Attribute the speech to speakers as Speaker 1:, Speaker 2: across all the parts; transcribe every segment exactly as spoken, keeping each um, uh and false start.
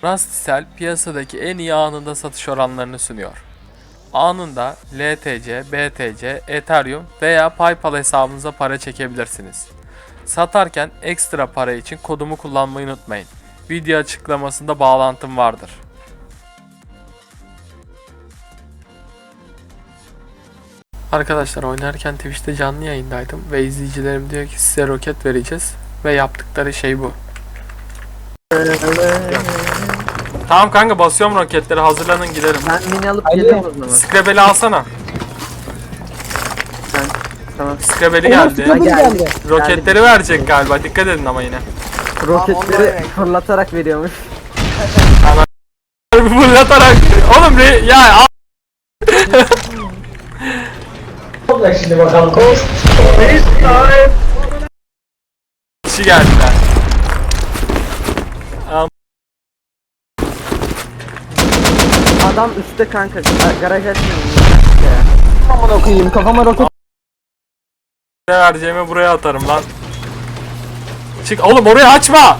Speaker 1: Rusticell piyasadaki en iyi anında satış oranlarını sunuyor. Anında L T C, B T C, Ethereum veya PayPal hesabınıza para çekebilirsiniz. Satarken ekstra para için kodumu kullanmayı unutmayın. Video açıklamasında bağlantım vardır. Arkadaşlar oynarken Twitch'te canlı yayındaydım ve izleyicilerim diyor ki size roket vereceğiz ve yaptıkları şey bu. Tamam kanka, basıyorum roketleri, hazırlanın gidelim.
Speaker 2: Ben mini alıp geliyorum o zaman.
Speaker 1: Scrabble alsana.
Speaker 2: Sen tamam.
Speaker 1: Scrabble
Speaker 3: Oğlum,
Speaker 1: geldi.
Speaker 3: Scrabble geldi.
Speaker 1: Roketleri verecek galiba, dikkat edin ama yine.
Speaker 2: Roketleri fırlatarak veriyormuş.
Speaker 1: Fırlatarak. Oğlum re ya al.
Speaker 4: Şimdi bakalım.
Speaker 1: Kişi geldiler.
Speaker 2: Adam üstte kanka. Garaj açmıyor.
Speaker 3: Kafama koyayım, kafama roket.
Speaker 1: Ne vereceğimi buraya atarım lan. Çık oğlum, orayı açma.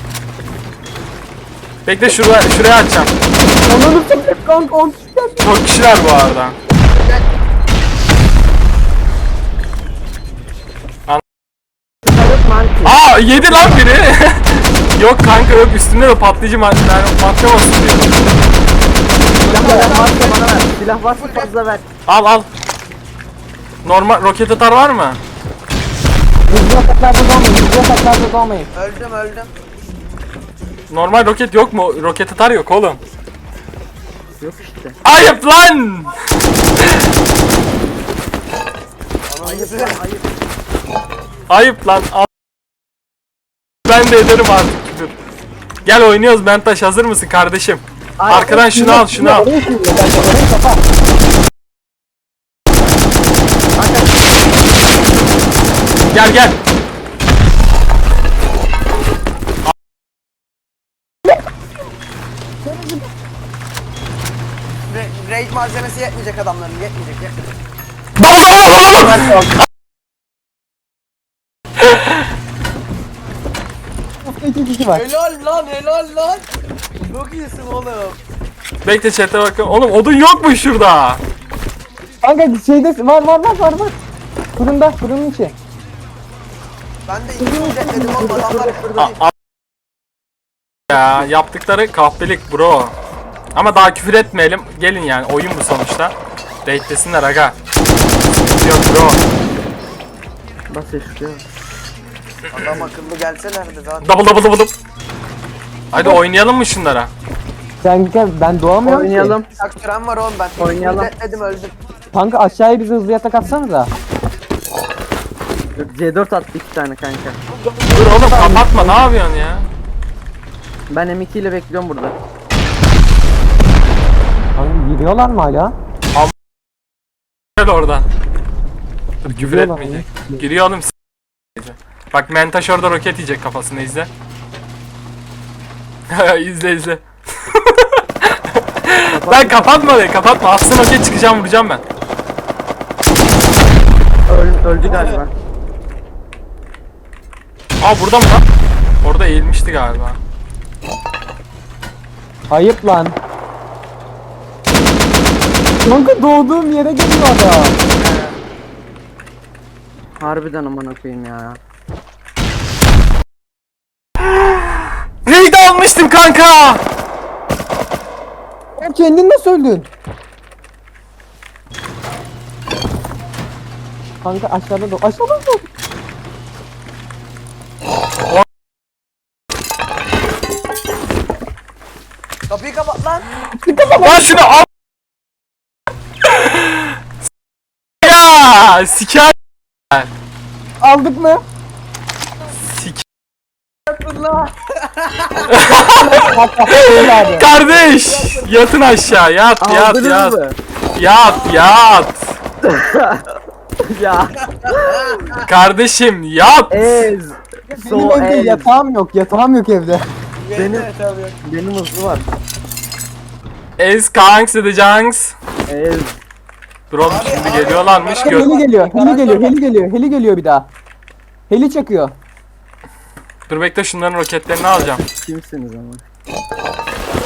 Speaker 1: Bekle, şuraya şuraya açacağım.
Speaker 3: Onu tutacak kanka, on tutacak.
Speaker 1: Çok kişiler bu arada. Aa, yedi lan biri. Yok kanka, yok, üstünde de patlayıcı madde patlamasın diyor.
Speaker 2: Silah varsa bana ver. Silah varsa fazla ver.
Speaker 1: Al al. Normal roket atar var mı?
Speaker 3: Hızlı ataklarda doğmayın, hızlı ataklarda doğmayın.
Speaker 5: Öldüm öldüm.
Speaker 1: Normal roket yok mu? Roket atar yok oğlum.
Speaker 2: Yok işte.
Speaker 1: Ayıp lan.
Speaker 2: Ayıp ayıp.
Speaker 1: Ayıp lan. Al. Ben de ederim artık küfür. Gel oynuyoruz Mentaş, hazır mısın kardeşim? Arkadan şunu al, şunu al.
Speaker 3: Oraya şimdi, kanka, orayı kapa.
Speaker 1: Gel gel.
Speaker 5: Ra- Raid malzemesi yetmeyecek adamların, yetmeyecek yetmeyecek.
Speaker 3: İki kişi var.
Speaker 5: Helal lan helal lan. Çok iyisin oğlum.
Speaker 1: Bekle chat'e bakın. Oğlum odun yok mu şurada?
Speaker 3: Kanka şeyde var var var var var. Fırında, fırının içi.
Speaker 5: Ben de iki ücret dedim oğlum adamlar
Speaker 1: A- a- ya yaptıkları kahpelik bro. Ama daha küfür etmeyelim. Gelin yani, oyun bu sonuçta. Raidlesinler aga. Sıkıntı yok bro.
Speaker 2: Bas eşliyor.
Speaker 5: adam akıllı gelselerdi zaten.
Speaker 1: Double double double double. Hadi oynayalım mı şunlara?
Speaker 3: Sen gel, ben doğamıyorum
Speaker 2: Oynayalım.
Speaker 5: Bak süren var oğlum ben.
Speaker 2: Oynayalım.
Speaker 5: Ücret dedim öldüm.
Speaker 3: ki. Kanka aşağıya bize hızlı yatak atsanıza.
Speaker 2: C dört attı iki tane kanka.
Speaker 1: Dur oğlum, kapatma, ne yapıyorsun ya?
Speaker 2: Ben M iki ile bekliyorum burada.
Speaker 3: Kanka giriyorlar mı hala?
Speaker 1: Gel oradan. Dur, küfür
Speaker 3: Giriyorlar
Speaker 1: etmeyecek. Giriyor oğlum. s- Bak Mentaş orada roket yiyecek kafasını, izle. izle izle. Ben kapatma orayı, kapatma. Atsın roket, çıkacağım, vuracağım ben.
Speaker 2: Öl, öldü galiba.
Speaker 1: Aa, burada mı lan? Orada eğilmişti galiba.
Speaker 3: Ayıp lan. Kanka doğduğum yere geliyor adam.
Speaker 2: Harbiden aman koyayım ya.
Speaker 1: Raid almıştım kanka.
Speaker 3: Sen kendin nasıl öldün? Kanka aşağıda doğ. Aşağıda doğ.
Speaker 5: Kapıyı kapat lan.
Speaker 1: Lan şunu al. Ya siker.
Speaker 3: Aldık mı?
Speaker 1: Sik.
Speaker 5: Allah.
Speaker 3: Abi.
Speaker 1: Kardeş, yatın aşağı, yat yat
Speaker 2: Aldınız
Speaker 1: yat.
Speaker 2: mı?
Speaker 1: Yat yat.
Speaker 2: Ya.
Speaker 1: Kardeşim yat.
Speaker 2: Ez.
Speaker 3: Benim
Speaker 2: So
Speaker 3: evde
Speaker 2: ez.
Speaker 3: yatağım yok. Yatağım yok evde.
Speaker 2: Benim, benim hızlı var.
Speaker 1: Ez kanks edeceğiz.
Speaker 2: Ez.
Speaker 1: Dur oğlum, şimdi geliyorlarmış. Gör.
Speaker 3: Heli geliyor. Heli geliyor. Heli geliyor. Heli geliyor bir daha. Heli çakıyor.
Speaker 1: Dur bekle, şunların roketlerini alacağım.
Speaker 2: Kimsiniz ama?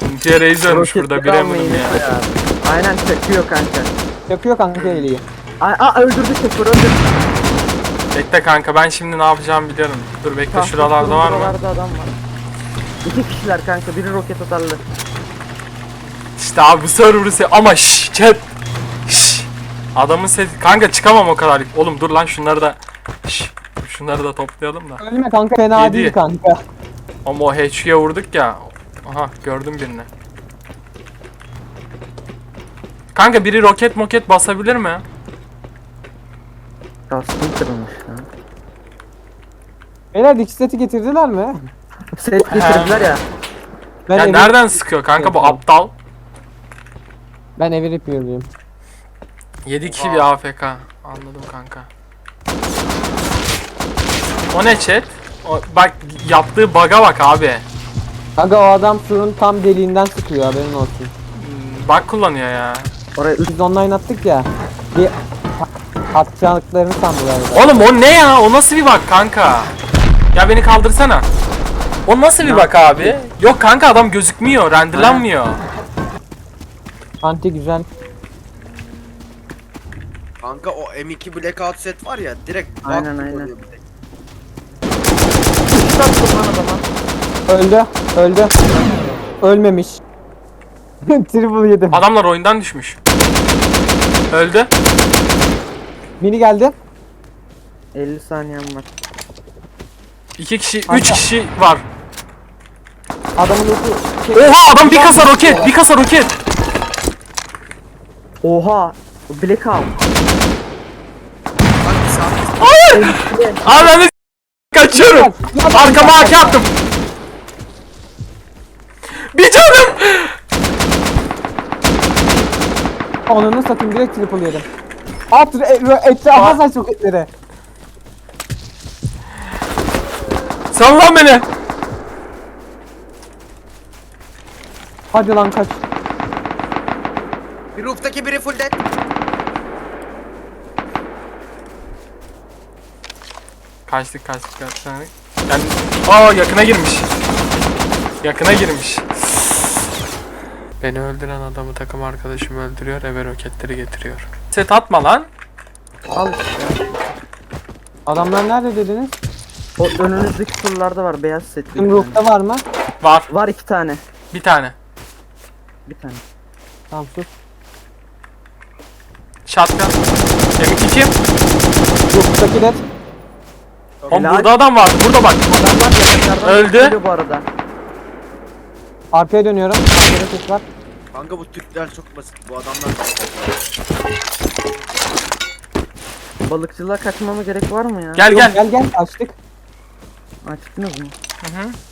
Speaker 1: Intiye Reis ölmüş burada
Speaker 2: Roketleri
Speaker 1: bir
Speaker 2: almayı
Speaker 1: eminim ya.
Speaker 2: unutma ya. Aynen çakıyor kanka.
Speaker 3: Yapıyor kanka iyiliği.
Speaker 2: Aa, aa öldürdü şoför öldürdü.
Speaker 1: Bekle kanka ben şimdi ne yapacağımı biliyorum. Dur bekle
Speaker 2: Tahta
Speaker 1: şuralarda var mı?
Speaker 2: Şuralarda adam var. İki kişiler kanka, biri roket atarlı.
Speaker 1: İşte abi bu server'ı se- ama şşş chat. Şşş. Adamın sesi kanka çıkamam o kadar. Oğlum dur lan şunları da şşş. Şunları da toplayalım da.
Speaker 3: Ölme kanka fena
Speaker 1: Yedi.
Speaker 3: değil kanka.
Speaker 1: Ama o H Q'ye vurduk ya. Aha gördüm birini. Kanka biri roket moket basabilir mi?
Speaker 2: Kaskım kırılmış lan.
Speaker 3: Beyler dikiş seti getirdiler mi?
Speaker 2: Set getirdiler ya.
Speaker 3: Ben
Speaker 1: Ya
Speaker 3: evi-
Speaker 1: nereden sıkıyor kanka bu
Speaker 3: Yapıyorum.
Speaker 1: aptal?
Speaker 3: Ben evi yapıyorum.
Speaker 1: yedi kişi bir A F K. Anladım kanka. O ne chat? O, bak yaptığı bug'a bak abi.
Speaker 3: Kanka o adam surun tam deliğinden sıkıyor haberin olsun.
Speaker 1: Hmm, Bug kullanıyor ya.
Speaker 2: Oraya üç
Speaker 3: Biz online attık ya. Bir atacaklarını sandılar. da.
Speaker 1: Oğlum o ne ya? O nasıl bir bug kanka? Ya beni kaldırsana. O nasıl bir bug abi? Yok kanka adam gözükmüyor, renderlanmıyor.
Speaker 3: Anti güzel.
Speaker 5: Kanka o M iki Blackout set var ya direkt bug
Speaker 2: Aynen, aynen.
Speaker 5: oluyor bir tek.
Speaker 2: üç attım lan adama.
Speaker 3: Öldü. Öldü. Ölmemiş. Triple yedim.
Speaker 1: Adamlar oyundan düşmüş. Öldü.
Speaker 3: Mini geldi.
Speaker 2: elli saniyem var.
Speaker 1: İki kişi,
Speaker 3: Kanka.
Speaker 1: üç kişi var.
Speaker 3: Adamın ulti şey,
Speaker 1: Oha adam bir kasa roket, bir kasa roket.
Speaker 2: Oha! Blackout.
Speaker 5: Bak bir saat.
Speaker 1: Hayır. Abi ben de kaçıyorum. Arkama haki attım. Bir canım.
Speaker 3: Onunu satayım direkt triple yedim. At re- etrafa saç roketleri.
Speaker 1: Sal lan beni.
Speaker 3: Hadi lan kaç.
Speaker 5: Bir rooftaki biri full dead.
Speaker 1: Kaçtık kaçtık kaçtık. Yani, aa yakına girmiş. Yakına girmiş. Beni öldüren adamı takım arkadaşım öldürüyor, eve roketleri getiriyor. Set atma lan.
Speaker 2: Al işte.
Speaker 3: Adamlar nerede dediniz?
Speaker 2: O önünüzdeki turlarda var, beyaz set. bir
Speaker 3: Bizim
Speaker 2: tane.
Speaker 3: roof'ta var mı?
Speaker 1: Var.
Speaker 2: Var iki tane.
Speaker 1: Bir tane.
Speaker 2: Bir tane.
Speaker 3: Tamam sus.
Speaker 1: Shotgun. M iki kim?
Speaker 3: Rooftaki de
Speaker 1: Oğlum
Speaker 2: Helal.
Speaker 1: burada adam var. Burada bak.
Speaker 2: Adamlar yanaklardan
Speaker 1: Öldü.
Speaker 2: geliyor bu arada.
Speaker 3: arkaya dönüyorum. Arkada ses var.
Speaker 5: Kanka bu Türkler çok basit. Bu adamlar
Speaker 2: Balıkçılığa kaçmama gerek var mı ya?
Speaker 1: Gel
Speaker 3: Yok,
Speaker 1: gel.
Speaker 3: gel gel açtık.
Speaker 2: Açtınız mı?
Speaker 1: Hı hı.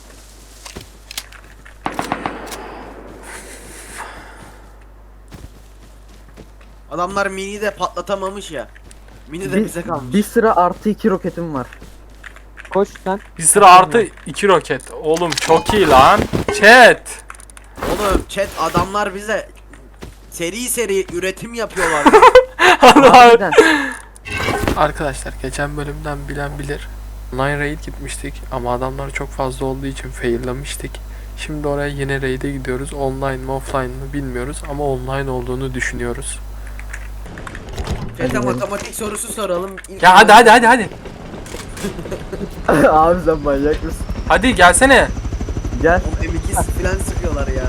Speaker 5: adamlar mini de patlatamamış ya. Mini de
Speaker 2: Bir,
Speaker 5: bize kalmış.
Speaker 2: bir sıra artı iki roketim var.
Speaker 3: Koş sen.
Speaker 1: Bir sıra artı iki roket. Oğlum çok iyi lan. Chat.
Speaker 5: Oğlum chat adamlar bize seri seri üretim yapıyorlar.
Speaker 2: Harbiden.
Speaker 1: Arkadaşlar geçen bölümden bilen bilir. Online raid gitmiştik ama adamlar çok fazla olduğu için faillemiştik. Şimdi oraya yine raid'e gidiyoruz. Online mi offline mı bilmiyoruz ama online olduğunu düşünüyoruz.
Speaker 5: Chat'e matematik sorusu soralım. İlk
Speaker 1: Ya hadi hadi hadi hadi.
Speaker 2: Abi sen manyak mısın?
Speaker 1: Hadi gelsene.
Speaker 2: Gel.
Speaker 5: O M iki falan sıkıyorlar ya.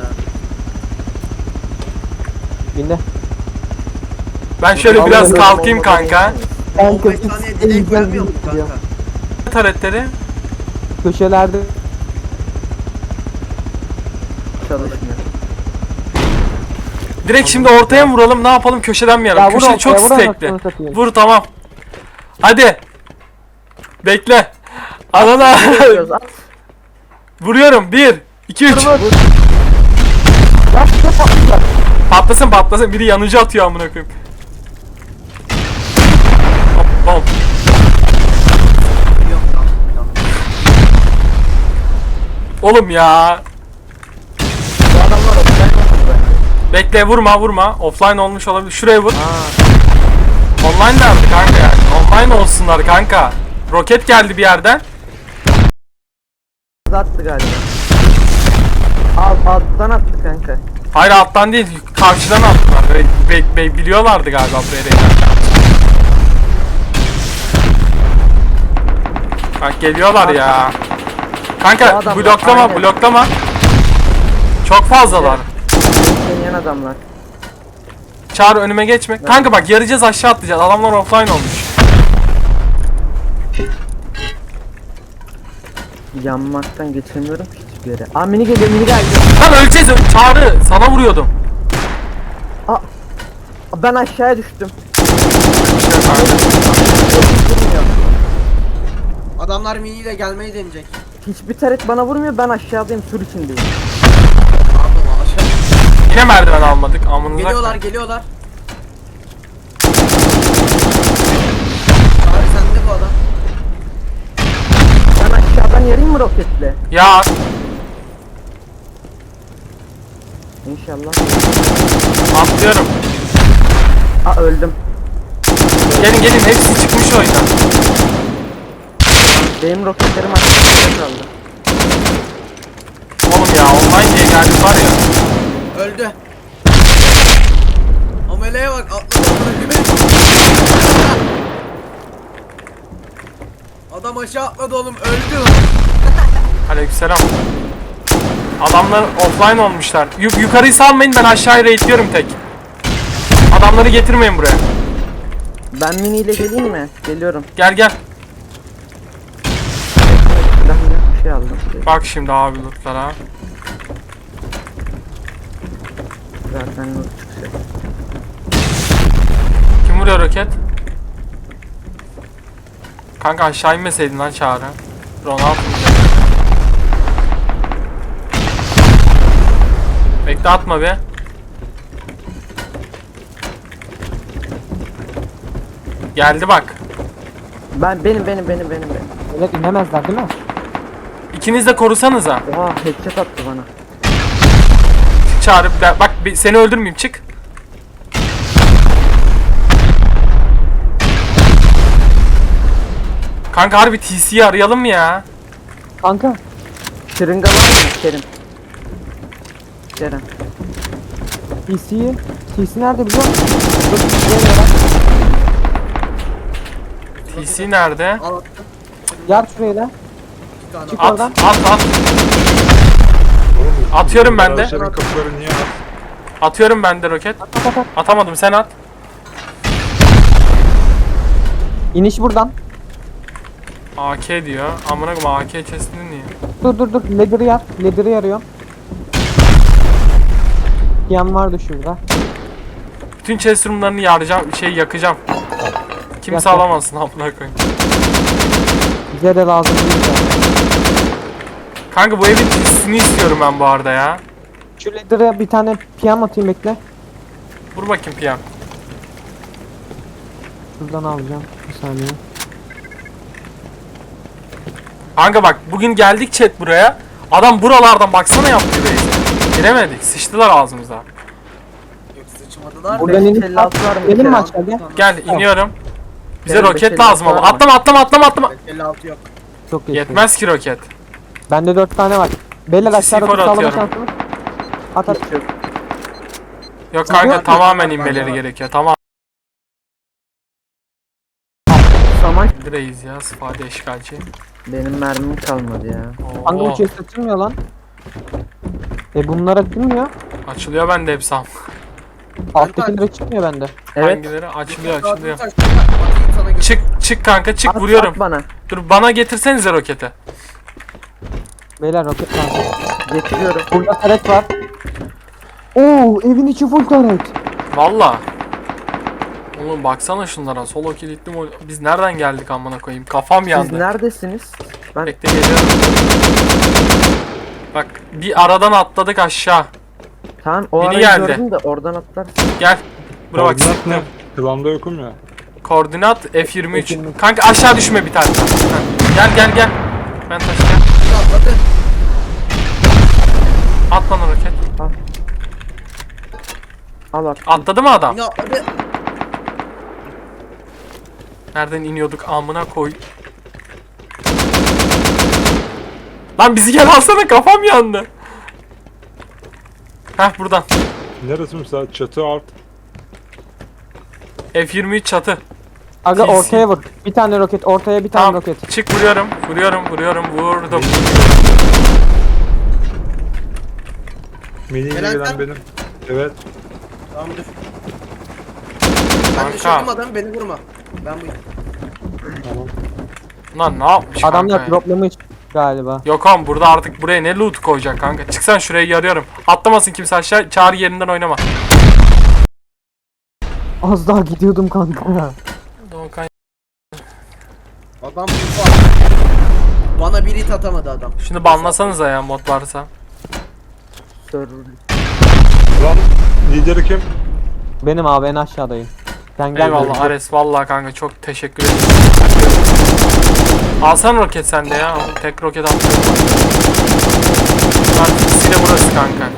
Speaker 3: Binde.
Speaker 1: Ben şöyle biraz
Speaker 2: Vallahi
Speaker 1: kalkayım
Speaker 2: olmadı.
Speaker 1: kanka.
Speaker 5: on beş saniye delay koyamıyor mu kanka?
Speaker 1: Taretleri.
Speaker 3: Köşelerde
Speaker 2: Çalışmıyor.
Speaker 1: Direkt şimdi ortaya mı vuralım? Ne yapalım? Köşeden mi
Speaker 3: Ya
Speaker 1: yaralım?
Speaker 3: vur
Speaker 1: Köşe
Speaker 3: ortaya,
Speaker 1: çok
Speaker 3: vur
Speaker 1: stekli.
Speaker 3: anasını satayım.
Speaker 1: Vur tamam. Hadi. Bekle. Anana.
Speaker 2: Vuruyoruz, at.
Speaker 1: Vuruyorum. bir, iki, üç. Patlasın patlasın. Biri yanıcı atıyor amına koyayım. Hop hop.
Speaker 5: Yok tamam. tamam.
Speaker 1: Oğlum ya.
Speaker 2: Bu adamlar offline olmuş bence.
Speaker 1: Bekle vurma vurma. Offline olmuş olabilir. Şuraya vur. Online nerede kanka yani? Online olsunlar kanka. Roket geldi bir yerden.
Speaker 2: Attı galiba. Alt, alttan attı kanka.
Speaker 1: Hayır alttan değil, karşıdan attılar. Be, be, be- biliyorlardı galiba buraya reyna. Bak geliyorlar ya.
Speaker 2: Bu
Speaker 1: Kanka
Speaker 2: adamlar,
Speaker 1: bloklama
Speaker 2: aynen.
Speaker 1: bloklama. Çok fazlalar.
Speaker 2: Deneyen adamlar.
Speaker 1: Çağrı önüme geçme. Kanka bak yarayacağız, aşağı atlayacağız. Adamlar offline olmuş.
Speaker 2: Yanmaktan geçemiyorum ki hiçbir yere. Aa mini geliyor, mini geldi.
Speaker 1: Lan öleceğiz. Çağrı sana vuruyordum.
Speaker 2: Aa, ben aşağıya düştüm.
Speaker 5: Adamlar miniyle gelmeyi deneyecek.
Speaker 2: Hiçbir taret bana vurmuyor, ben aşağıdayım, sur içindeyim.
Speaker 5: Pardon aşağı.
Speaker 1: Yine merdiven almadık. Amınıza.
Speaker 5: Geliyorlar geliyorlar. Abi sende bu adam.
Speaker 2: Ben aşağıdan yarayım mı roketle?
Speaker 1: Ya
Speaker 2: İnşallah.
Speaker 1: atlıyorum.
Speaker 2: Aa öldüm.
Speaker 1: Gelin gelin, hepsi çıkmış oyundan.
Speaker 2: Benim roketlerim aşağıda kaldı.
Speaker 1: Oğlum ya online diye geldi var ya.
Speaker 5: Öldü. Ameleye bak atladı. Adam aşağı atladı oğlum öldü.
Speaker 1: Aleykümselam. Adamlar offline olmuşlar. Yuk yukarıyı salmayın, ben aşağıya raidliyorum tek. Adamları getirmeyin buraya.
Speaker 2: Ben miniyle geleyim mi? Geliyorum.
Speaker 1: Gel gel.
Speaker 2: Ben bir şey aldım.
Speaker 1: Bak şimdi abi lootlara.
Speaker 2: Zaten loot çıkacak.
Speaker 1: Kim vuruyor roket? Kanka aşağı inmeseydin lan Çağrı. Ronaldo. Bekle atma be. Geldi bak.
Speaker 2: Ben benim benim benim benim benim.
Speaker 3: Evet inemezler değil mi?
Speaker 1: İkiniz de korusanıza.
Speaker 2: Oha headshot attı bana.
Speaker 1: Çağrı ben- bak bir- seni öldürmeyeyim, çık. Kanka harbi T C'yi arayalım mı ya?
Speaker 3: Kanka.
Speaker 2: Şırınga var mı Kerim? Kerem.
Speaker 3: T C'yi. T C nerede biliyor musun? Dur, şuraya gel.
Speaker 1: T C nerede?
Speaker 5: Al attım.
Speaker 3: Gel şuraya da.
Speaker 5: Bir tane
Speaker 3: Çık
Speaker 5: al.
Speaker 1: At
Speaker 3: oradan.
Speaker 1: at at. Atıyorum ben de.
Speaker 6: Garajların kapıları niye at?
Speaker 1: Atıyorum ben de roket.
Speaker 3: At at at.
Speaker 1: Atamadım, sen at.
Speaker 3: İniş buradan.
Speaker 1: A K diyor. Amına koyayım, A K chest'ini niye?
Speaker 3: Dur dur dur. Ladder'ı yar. Ladder'ı yarıyorum. Yan vardı şurada.
Speaker 1: Bütün chest room'larını yaracağım, şey yakacağım. Kimse
Speaker 3: Yak, yak.
Speaker 1: alamasın amına koyayım.
Speaker 3: Bize de lazım değil de.
Speaker 1: Kanka bu evin tissini istiyorum ben bu arada ya.
Speaker 3: Şu ladder'a bir tane piyam atayım bekle.
Speaker 1: Vur bakayım P M.
Speaker 3: Şuradan alacağım. Bir saniye.
Speaker 1: Kanka bak bugün geldik chat buraya. Adam buralardan baksana yaptı base'e. Giremedik, sıçtılar ağzımıza.
Speaker 5: Yok sıçmadılar.
Speaker 3: Buradan
Speaker 2: beş
Speaker 3: inip
Speaker 2: elli altı var mı?
Speaker 3: Gelin mi
Speaker 2: Kerem?
Speaker 3: aşağı gel.
Speaker 1: Gel iniyorum. Bize
Speaker 2: Benim
Speaker 1: roket
Speaker 2: beş elli
Speaker 1: lazım
Speaker 2: altı
Speaker 1: ama.
Speaker 2: var mı?
Speaker 1: Atlama atlama atlama atlama.
Speaker 5: elli altı yok.
Speaker 3: Çok geç.
Speaker 1: Yetmez ki roket.
Speaker 3: Bende dört tane var. Beyler
Speaker 1: İki
Speaker 3: aşağıda
Speaker 1: sıfır
Speaker 3: tut sağlama
Speaker 1: atıyorum.
Speaker 3: şansımız. At at.
Speaker 2: Hiç yok.
Speaker 1: Yok kanka
Speaker 3: Yok,
Speaker 1: tamamen
Speaker 5: yok,
Speaker 1: inmeleri
Speaker 5: yok.
Speaker 1: gerekiyor. Tamam.
Speaker 2: Saman
Speaker 1: Reis ya, sıfade işgalci.
Speaker 2: benim mermim kalmadı ya.
Speaker 3: Kanka
Speaker 1: Oo,
Speaker 3: bu chest açılmıyor lan. E bunlar açılmıyor.
Speaker 1: açılıyor bende hepsi am.
Speaker 3: Alttakiler çıkmıyor bende.
Speaker 2: Evet.
Speaker 1: Hangileri? Açılıyor açılıyor.
Speaker 5: Atayım sana götür.
Speaker 1: Çık çık kanka çık,
Speaker 2: At,
Speaker 1: vuruyorum.
Speaker 2: at bana.
Speaker 1: Dur bana getirsenize roketi.
Speaker 3: Beyler roket lazım.
Speaker 2: Getiriyorum.
Speaker 3: Burada taret var. Oo evin içi full taret.
Speaker 1: Valla. Oğlum baksana şunlara, solo kilitli mi? Biz nereden geldik amına koyayım? Kafam
Speaker 2: Siz
Speaker 1: yandı.
Speaker 2: neredesiniz? Ben
Speaker 1: Bekle geliyorum. Bak bir aradan atladık aşağı.
Speaker 2: tamam o
Speaker 1: Biri
Speaker 2: arayı
Speaker 1: geldi.
Speaker 2: gördüm de oradan atlarsın.
Speaker 1: Gel. Bura bak
Speaker 6: Koordinat
Speaker 1: sıktım.
Speaker 6: ne? Planda yokum ya.
Speaker 1: Koordinat F yirmi üç.
Speaker 3: F yirmi üç.
Speaker 1: Kanka aşağı düşme bir tane. Heh. Gel gel gel. Ben taşıyacağım.
Speaker 5: Atladı.
Speaker 1: At bana roket.
Speaker 2: Al at.
Speaker 1: Atladı mı adam?
Speaker 5: Yine atladı.
Speaker 1: Nereden iniyorduk amına koy. Lan bizi gel alsana, kafam yandı. Heh buradan.
Speaker 6: Neresi müsait? Çatı alt.
Speaker 1: F yirmi üç çatı.
Speaker 3: Aga
Speaker 1: T C.
Speaker 3: ortaya vur. Bir tane roket, ortaya bir tane
Speaker 1: Tamam.
Speaker 3: roket.
Speaker 1: Çık vuruyorum. Vuruyorum. Vuruyorum. Vurdum.
Speaker 6: Mini ile
Speaker 5: Gelen
Speaker 6: gelen
Speaker 5: sen-
Speaker 6: benim. Evet.
Speaker 5: Tamam dur. Ben
Speaker 1: Kanka.
Speaker 5: düşürdüm adamı, beni vurma. Ben bu.
Speaker 6: Tamam.
Speaker 1: Lan ne yapmış
Speaker 3: Adamlar
Speaker 1: kanka ya?
Speaker 3: droplamış galiba.
Speaker 1: Yok oğlum burada artık buraya ne loot koyacak kanka. Çıksan şuraya yarıyorum. Atlamasın kimse aşağı. Çağrı yerinden oynama.
Speaker 3: Az daha gidiyordum kanka.
Speaker 1: Doğukan.
Speaker 5: Adam bu var. Bana bir hit atamadı adam.
Speaker 1: Şunu banlasanıza ya mod varsa.
Speaker 2: Server.
Speaker 6: Lan lideri kim?
Speaker 3: Benim abi en aşağıdayım. Sen gel.
Speaker 1: Eyvallah
Speaker 3: buraya.
Speaker 1: Ares vallahi kanka çok teşekkür ederim. Alsana roket sende ya. Tek roket atlıyorum. Artık ikisiyle burası kanka.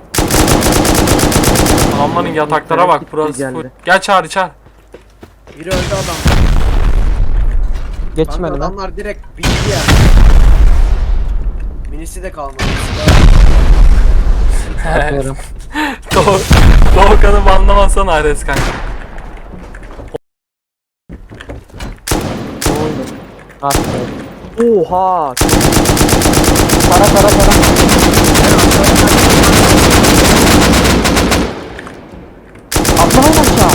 Speaker 1: Adamların yataklara bak burası
Speaker 2: geldi.
Speaker 1: full. Gel Çağrı çağır.
Speaker 5: Biri öldü adam.
Speaker 3: Geçmedi
Speaker 5: Kanka
Speaker 3: lan.
Speaker 5: adamlar direkt bitti ya. Minisi de kalmadı.
Speaker 3: Atıyorum.
Speaker 1: Doğu, Doğukan'ı banlamasana Ares kanka.
Speaker 3: Atıyorum.
Speaker 2: Oha.
Speaker 3: Para para para. Atlamayın aşağı.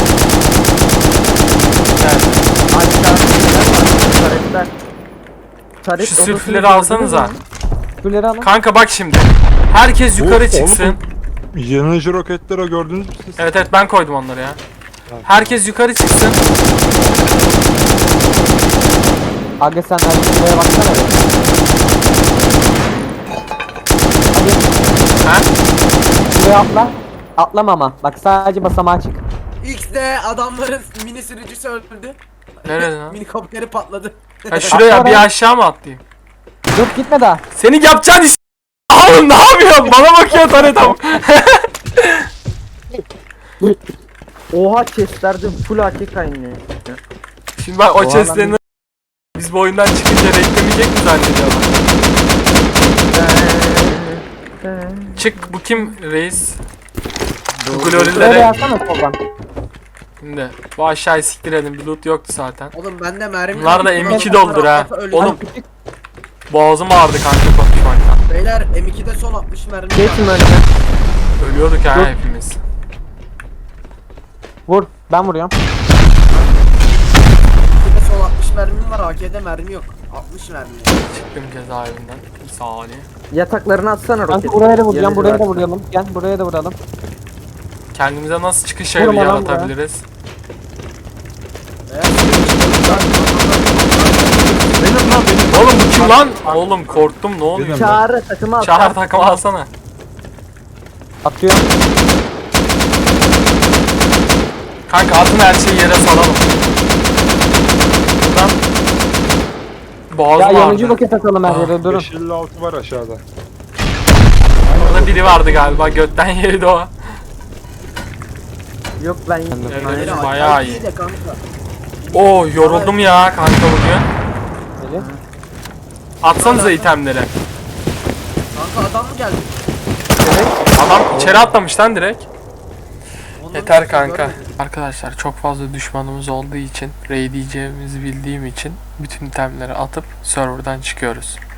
Speaker 1: Gel.
Speaker 2: Aşağı. Taretler. Taret
Speaker 1: Şu
Speaker 2: odasını
Speaker 1: sülfürleri
Speaker 2: gördünüz
Speaker 1: alsanıza.
Speaker 2: mü?
Speaker 3: Şuleri alın.
Speaker 1: Kanka bak şimdi. Herkes yukarı
Speaker 6: Bu-
Speaker 1: çıksın.
Speaker 6: oğlum, Yanıcı roketleri gördünüz mü siz?
Speaker 1: Evet evet ben koydum onları ya. Herkes yukarı çıksın.
Speaker 3: Aga sen şuraya baksana be. Hadi
Speaker 1: Ha?
Speaker 3: şuraya atla. Atlama ama. Bak sadece basamağa çık.
Speaker 5: X'de adamların mini sürücüsü öldü.
Speaker 1: Nerede lan?
Speaker 5: Mini kopteri patladı.
Speaker 1: Ha şuraya bir aşağı mı atlayayım?
Speaker 3: Dur gitme daha.
Speaker 1: Senin yapacağın iş. Oğlum ne yapıyorsun? Bana bakıyor taretam.
Speaker 2: Oha chestlerde full A K kaynıyor.
Speaker 1: Şimdi bak o
Speaker 2: Oha
Speaker 1: chestlerini biz bu oyundan çıkınca reklemeyecek mi zannediyorlar? Çık bu kim reis? Bu
Speaker 3: Şuraya
Speaker 1: glorilere
Speaker 3: yazsana soldan.
Speaker 1: şimdi bu aşağıyı siktirelim bir loot yoktu zaten.
Speaker 5: Oğlum bende mermi
Speaker 1: Bunlar da
Speaker 5: yok.
Speaker 1: M iki
Speaker 5: Bunlar
Speaker 1: doldur ha.
Speaker 5: atlasa öleceğim.
Speaker 1: Oğlum boğazım ağrıdı kanka konuşmaktan.
Speaker 5: Beyler M iki'de son altmış mermi var.
Speaker 2: Geçin önüne.
Speaker 1: Ölüyorduk ha hepimiz.
Speaker 3: Vur. Ben vuruyorum.
Speaker 5: M iki'de son altmış mermim var. A K'de mermi yok. altmış mermi.
Speaker 1: Çıktım cezaevinden. Bir saniye.
Speaker 2: Yataklarını atsana
Speaker 3: Kanka
Speaker 2: roketi.
Speaker 3: buraya da vuracağım.
Speaker 2: Yanıcı
Speaker 3: Buraya da
Speaker 2: varsa.
Speaker 3: vuralım. Gel buraya da vuralım.
Speaker 1: Kendimize nasıl çıkış
Speaker 3: Vurma
Speaker 1: evi
Speaker 3: lan
Speaker 1: yaratabiliriz?
Speaker 5: Beyler,
Speaker 6: Benim lan benim.
Speaker 1: Oğlum bu kim lan? Oğlum korktum ne oluyor?
Speaker 6: Benim.
Speaker 2: Çağrı takımı at.
Speaker 1: Çağır takımı alsana.
Speaker 3: Atıyorum.
Speaker 1: Kanka atın her şeyi yere salalım. Buradan
Speaker 3: Ya
Speaker 1: boğazım
Speaker 3: yanıcı
Speaker 1: vardı.
Speaker 3: roket atalım her
Speaker 1: Ah,
Speaker 3: yere. Durun.
Speaker 6: beş elli altı var aşağıda.
Speaker 1: Orada biri vardı galiba götten yedi o.
Speaker 2: Yok ben
Speaker 1: Evet.
Speaker 2: Aynen.
Speaker 5: beyler,
Speaker 1: Bayağı
Speaker 5: A K
Speaker 1: iyi.
Speaker 5: de kanka.
Speaker 1: Oo yoruldum ya kanka bugün.
Speaker 3: Böyle.
Speaker 1: Atsanıza itemleri.
Speaker 5: Kanka adam mı geldi?
Speaker 1: Adam içeri atlamış lan direkt.
Speaker 5: Ondan
Speaker 1: Yeter
Speaker 5: sonra
Speaker 1: kanka.
Speaker 5: görmedim.
Speaker 1: Arkadaşlar çok fazla düşmanımız olduğu için, raid diyeceğimizi bildiğim için bütün itemleri atıp serverdan çıkıyoruz.